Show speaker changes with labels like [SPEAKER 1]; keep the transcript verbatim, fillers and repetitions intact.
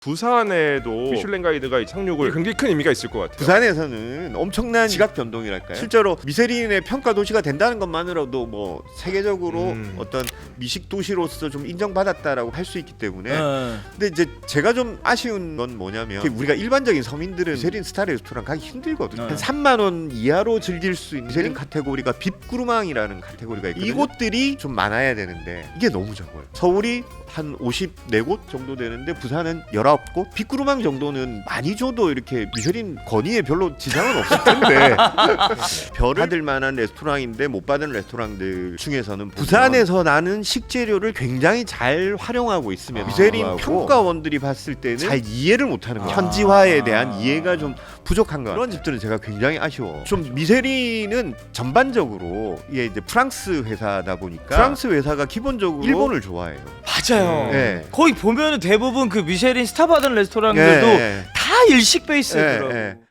[SPEAKER 1] 부산에도 미슐랭 가이드가 착륙을 굉장히 큰 의미가 있을 것 같아요.
[SPEAKER 2] 부산에서는 엄청난 지각 변동이랄까요? 실제로 미쉐린의 평가 도시가 된다는 것만으로도 뭐 세계적으로
[SPEAKER 1] 음.
[SPEAKER 2] 어떤 미식 도시로서 좀 인정받았다라고 할 수 있기 때문에.
[SPEAKER 3] 네.
[SPEAKER 2] 근데 이제 제가 좀 아쉬운 건 뭐냐면 우리가 일반적인 서민들은 미쉐린 스타 레스토랑 가기 힘들거든요.
[SPEAKER 3] 네.
[SPEAKER 2] 한 삼만 원 이하로 즐길 수 있는 미쉐린 카테고리가 빕구르망이라는 카테고리가 있거든요. 이곳들이 좀 많아야 되는데 이게 너무 적어요. 서울이 한 오십사 곳 정도 되는데 부산은 열아홉 곳? 빅구르망 정도는 많이 줘도 이렇게 미쉐린 건의에 별로 지장은 없을 텐데 별을 받을 만한 레스토랑인데 못 받은 레스토랑들 중에서는 부산에서 나는 식재료를 굉장히 잘 활용하고 있으면
[SPEAKER 1] 아,
[SPEAKER 2] 미쉐린
[SPEAKER 1] 하고.
[SPEAKER 2] 평가원들이 봤을 때는 잘 이해를 못하는 거예요.
[SPEAKER 3] 아.
[SPEAKER 2] 현지화에 대한 이해가 좀 부족한 거 같아요. 그런 집들은 제가 굉장히 아쉬워. 좀 미쉐린은 전반적으로 이게 이제 프랑스 회사다 보니까 프랑스 회사가 기본적으로 일본을 좋아해요.
[SPEAKER 3] 맞아요.
[SPEAKER 2] 네.
[SPEAKER 3] 거기 보면은 대부분 그 미쉐린 스타 받은 레스토랑들도
[SPEAKER 2] 예, 예.
[SPEAKER 3] 다 일식 베이스더라고요.
[SPEAKER 2] 예, 예.